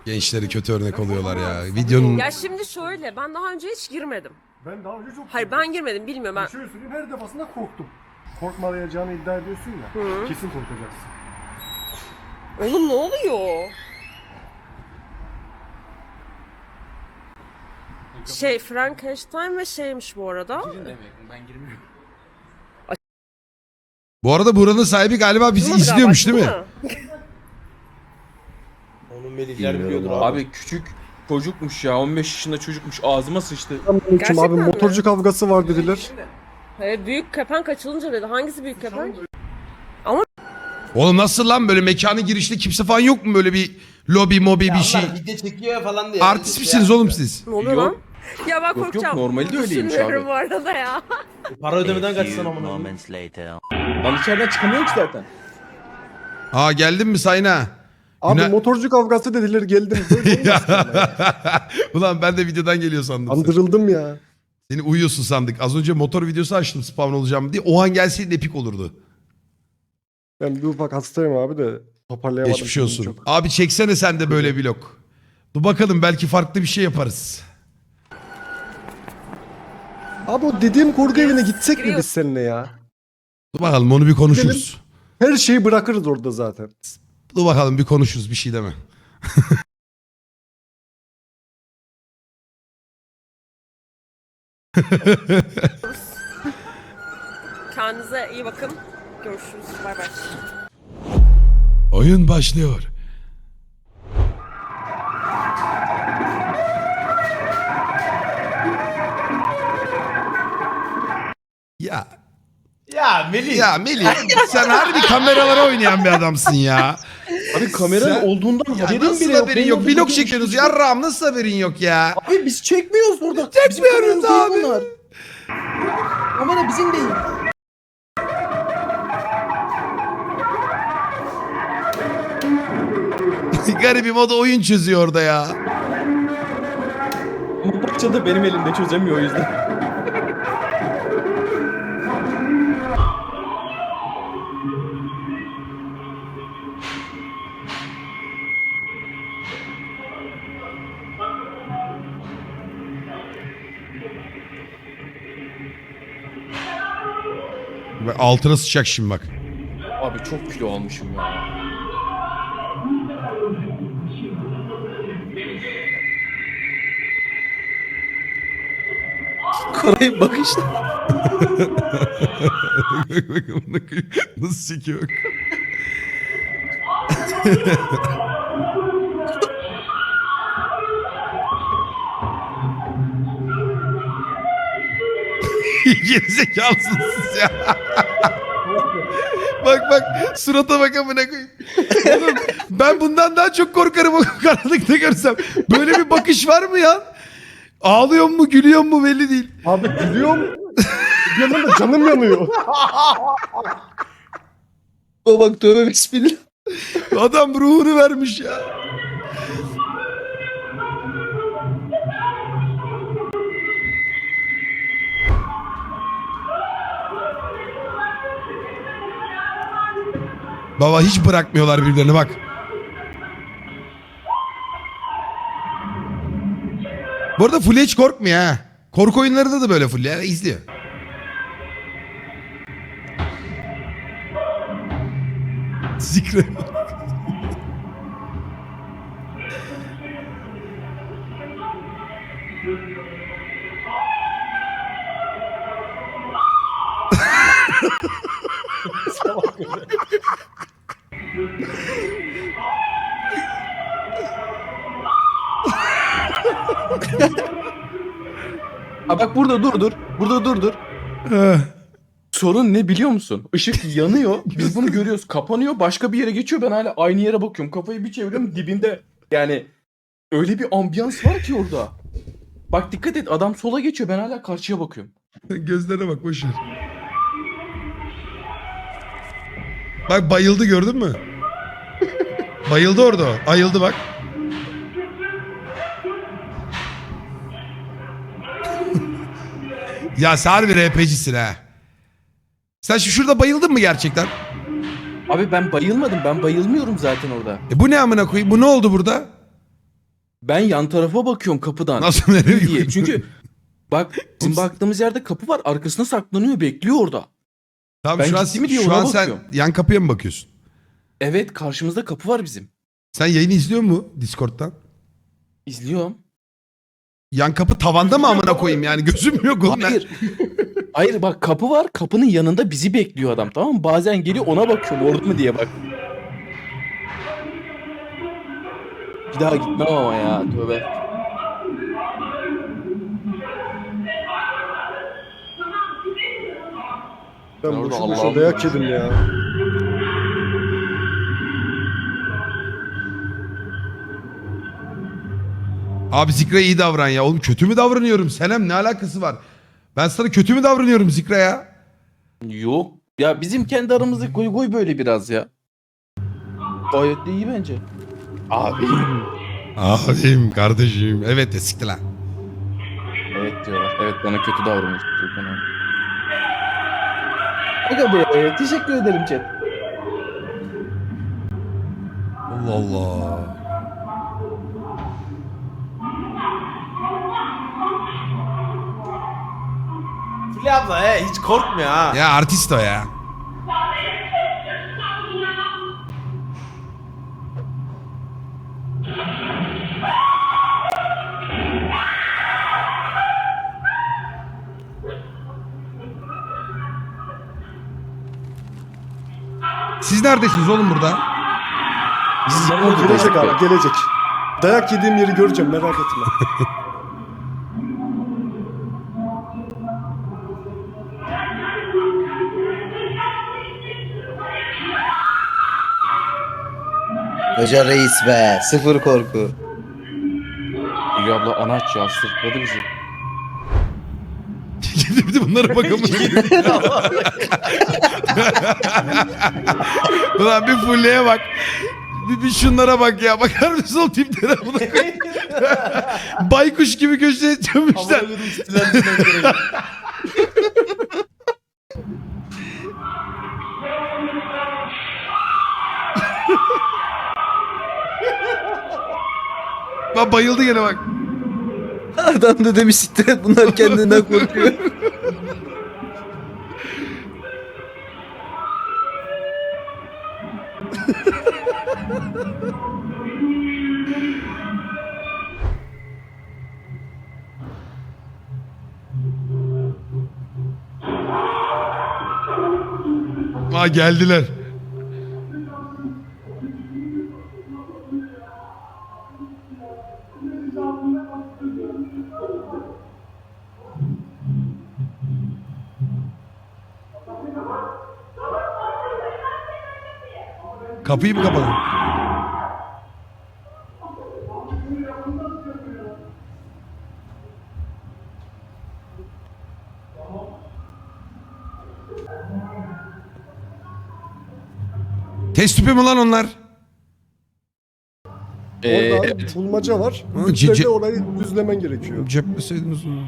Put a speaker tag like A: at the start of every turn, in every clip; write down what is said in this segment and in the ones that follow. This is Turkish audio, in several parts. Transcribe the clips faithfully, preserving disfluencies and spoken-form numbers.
A: Gençleri kötü örnek oluyorlar ya. Videonun...
B: Ya şimdi şöyle, ben daha önce hiç girmedim.
C: Ben daha önce çok...
B: Hayır ben girmedim, bilmiyorum ben.
C: Şöyle söyleyeyim, her defasında korktum. Korkmayacağını iddia ediyorsun ya,
B: Hı.
C: kesin korkacaksın.
B: Oğlum ne oluyor? Şey Frankenstein ve şeymiş bu arada.
D: Ben girmiyorum.
A: Bu arada buranın sahibi galiba bizi
B: Durmadı
A: izliyormuş
B: galiba,
A: değil mi?
D: Onu Melihler biliyordur abi. Abi küçük çocukmuş ya. on beş yaşında çocukmuş. Ağzıma sıçtı.
B: Gerçekten
C: abi
B: mi?
C: motorcu kavgası var dediler.
B: He, büyük kepenk açılınca dedi. Hangisi büyük kepenk?
A: Oğlum nasıl lan böyle mekanın girişinde kimse falan yok mu böyle bir lobi mobi
E: Ya
A: bir şey?
E: onlar video çekiyor falan diye.
A: Artist
E: Şey
A: misiniz
E: yapıyor.
A: oğlum siz?
B: Ne oluyor
D: Yok.
B: lan? Ya ben
D: Yok, yok,
B: korkacağım.
D: normali de öyleymiş
B: Düşünmüyorum
D: abi.
B: bu arada ya.
E: Para ödemeden kaçsan amına.
D: Ben içeriden çıkamıyorum ki zaten.
A: Aa geldin mi Sayna?
C: Abi
A: Güne-
C: motorcu kavgası dediler, geldim. Böyle olmaz ki ama ya.
A: Ulan ben de videodan geliyor sandım. seni.
C: Andırıldım ya.
A: Seni uyuyorsun sandık. Az önce motor videosu açtım spawn olacağım diye. O an gelseydin epik olurdu.
C: Ben bir ufak hastayım abi de toparlayamadım.
A: Geçmiş
C: kendimi
A: olsun.
C: çok.
A: Abi çeksene sen de böyle vlog. Dur bakalım belki farklı bir şey yaparız.
C: Abi o dediğim kurgu evine gitsek mi
B: Giriyor.
C: biz seninle ya?
A: Dur bakalım onu bir konuşuruz.
C: Her şeyi bırakırız orada zaten.
A: Dur bakalım bir konuşuruz bir şey deme.
B: Kendinize iyi bakın. Görüşürüz. Bay bay.
A: Oyun başlıyor. Ya
E: Ya Melih.
A: ya Melih sen harbi kameralara oynayan bir adamsın ya.
D: Abi kameranın
A: Sen-
D: olduğundan
A: Ya
D: haberin
A: nasıl
D: bile yok.
A: haberin
D: Benim
A: yok?
D: orada
A: Vlog
D: bir-
A: çekiyorsunuz. Yarrağım nasıl haberin yok ya?
D: Abi biz çekmiyoruz burada.
A: Çekmiyoruz
D: Bizim kameramız
A: abi.
D: değil bunlar. Kamera bizim değil.
A: Garibim o da oyun çözüyor orada ya.
D: Ama parça da benim elimde çözemiyor o yüzden.
A: Bak altına sıçacak şimdi bak.
D: Abi çok kilo almışım ya. Karayip bak işte.
A: Bak bak amına koyayım. Nasıl çekiyor bak. Gerizekalısınız siz ya. Bak bak surata bak amına koyayım. Oğlum ben bundan daha çok korkarım o karanlıkta görsem. Böyle bir bakış var mı ya? Ağlıyor mu gülüyor mu belli değil.
C: Abi gülüyorum. Bir yandan da canım yanıyor.
D: O bak tövbe bismillah.
A: Adam ruhunu vermiş ya. Baba hiç bırakmıyorlar birbirlerini bak. Bu arada Fulya hiç korkmuyor ha. Korku oyunlarında da böyle Fulya izliyor. Zikre.
D: Ha bak burada dur dur. Burada dur dur. Sorun ne biliyor musun? Işık yanıyor. Biz bunu görüyoruz. Kapanıyor. Başka bir yere geçiyor. Ben hala aynı yere bakıyorum. Kafayı bir çeviriyorum. Dibinde. Yani öyle bir ambiyans var ki orada. Bak dikkat et. Adam sola geçiyor. Ben hala karşıya bakıyorum.
A: Gözlerine bak boş ver. Bak bayıldı gördün mü? Bayıldı orada o. Ayıldı bak. Ya sen harbi R P G'sin ha. Sen şu şurada bayıldın mı gerçekten?
D: Abi ben bayılmadım. Ben bayılmıyorum zaten orada.
A: E bu ne amına koyayım? Bu ne oldu burada?
D: Ben yan tarafa bakıyorum kapıdan.
A: Nasıl nereye
D: diye. Çünkü bak bizim baktığımız yerde kapı var. Arkasına saklanıyor, bekliyor orada.
A: Tamam
D: Ben
A: şu an,
D: gitti mi diye
A: şu
D: ona
A: an sen
D: bakıyorum.
A: yan kapıya mı bakıyorsun?
D: Evet, karşımızda kapı var bizim.
A: Sen yayını izliyor mu Discord'dan?
D: İzliyorum.
A: Yan kapı tavanda mı amına koyayım yani gözüm yok oğlum.
D: Hayır. Hayır bak, kapı var. Kapının yanında bizi bekliyor adam, tamam mı? Bazen geliyor, ona bakıyorum orada mı diye bak. Bir daha gitmem ama ya, tövbe.
C: Ben
D: orada
C: boşu
D: Allah'ım
C: boşuna dayak yedim ya.
A: Abi Zikra'ya iyi davran ya. Oğlum kötü mü davranıyorum? Senem ne alakası var? Ben sana kötü mü davranıyorum Zikra'ya?
D: Yok. Ya bizim kendi aramızda goy goy böyle biraz ya. Gayet de iyi bence. Abi.
A: Abim, kardeşim. Evet de siktir lan.
D: Evet diyorlar. Evet, bana kötü davranmış. Aga be, teşekkür ederim chat.
A: Allah Allah.
E: Fulya abla he hiç korkmuyor ha.
A: Ya artist o ya. Siz neredesiniz oğlum burada?
D: Biz
C: O gelecek abi gelecek. Dayak yediğim yeri göreceğim merak etme.
F: Hoca reis be. Sıfır korku.
D: İyi abla anaç ya, sırtladı bizi.
A: Bir de bunlara bakalım. Ulan bir Fulya'ya bak. Bir, bir şunlara bak ya. Bakar mısın o tiplere? Baykuş gibi köşeye çömüşler. Bak bayıldı gene bak.
F: Adam da demiş siktir et, bunlar kendinden korkuyor.
A: Aa geldiler. Kapıyı mı kapadın? Test tüpü mü lan onlar?
D: Ee,
C: Orada
D: evet.
C: bulmaca var.
A: Ha,
C: Üç
A: cici-
C: de orayı düzlemen gerekiyor.
A: Cepleseydiniz onu.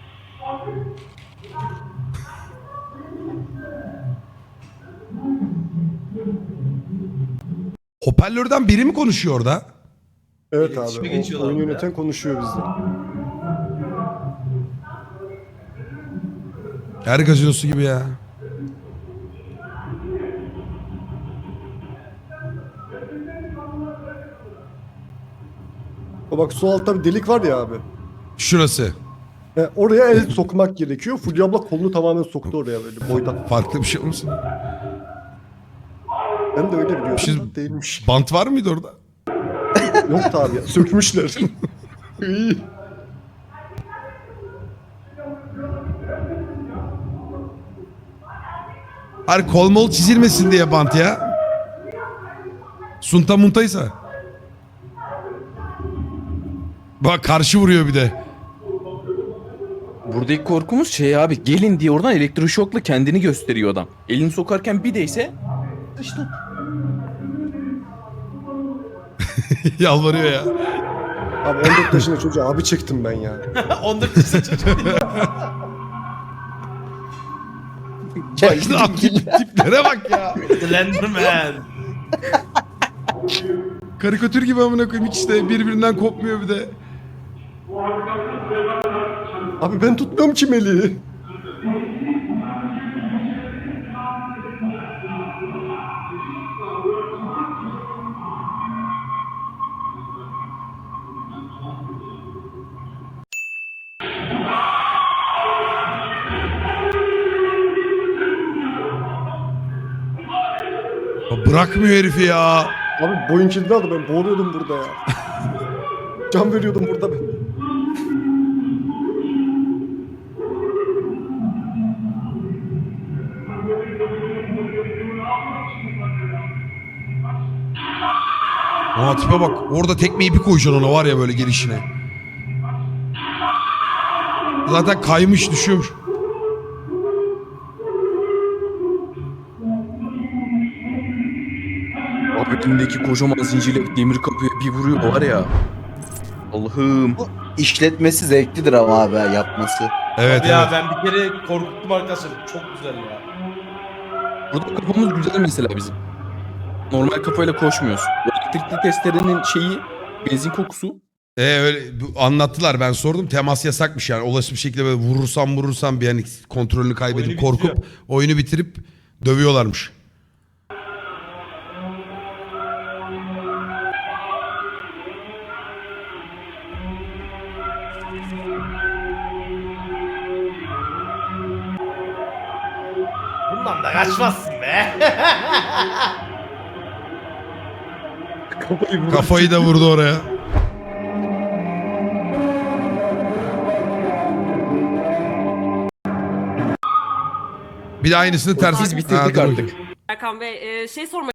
A: Hoparlörden biri mi konuşuyor orada?
C: Evet
E: İletişime
C: abi. O,
E: geçiyorlar
C: oyun
E: burada.
C: yöneten konuşuyor bizle.
A: Her gazinosu gibi ya.
C: O bak sol altta bir delik var ya abi.
A: Şurası.
C: E, oraya el sokmak gerekiyor. Fulya abla kolunu tamamen soktu oraya böyle boydan.
A: Farklı bir şey olmasın?
C: Ben de öyle biliyordum.
A: Siz-
C: da Değilmiş.
A: Bant var mıydı orada?
C: Yoktu abi ya. Sökmüşler. İyi.
A: Hayır kol mol çizilmesin diye bant ya. Sunta muntaysa. Bak karşı vuruyor bir de.
D: Buradaki korkumuz şey abi, gelin diye oradan elektroşokla kendini gösteriyor adam. Elini sokarken bir değse işte.
A: Yalvarıyor ya.
C: Abi on dört yaşında çocuğa abi çektim ben ya.
E: on dört yaşında çocuk.
A: Bak, tip, tiplere bak ya.
E: Slenderman.
A: Karikatür gibi amına koyayım hiç işte birbirinden kopmuyor bir de.
C: Abi ben tutmuyorum çimeli.
A: Ya bırakmıyor herifi ya.
C: Abi boyun kilidi aldı, ben boğuluyordum burada ya. Can veriyordum burada ben.
A: Aa tipe bak. Orada tekmeyi bir koyacaksın ona var ya böyle gelişine. Zaten kaymış düşüyormuş.
D: Abi elindeki kocaman zincirle demir kapıya bir vuruyor var ya. Allah'ım.
F: İşletmesi zevklidir ama abi yapması.
A: Evet
E: Abi ya
A: evet.
E: ben bir kere korkuttum arkadaşlar. Çok güzel ya.
D: Burada kafamız güzel mesela bizim. Normal kafayla koşmuyoruz. Bu elektrikli testerenin şeyi benzin kokusu.
A: Ee, öyle bu- anlattılar ben sordum temas yasakmış yani olası bir şekilde böyle vurursam vurursam bir hani kontrolünü kaybedip
E: Oyunu
A: korkup
E: bitiriyor.
A: oyunu bitirip dövüyorlarmış.
E: Bundan da kaçmazsın be.
C: Kafayı vurdu.
A: Kafayı da vurdu oraya. Bir de aynısını ters.
D: Biz bitirdik
A: Ha, dur
D: artık.
A: bakayım.
B: Erkan Bey e, şey sormak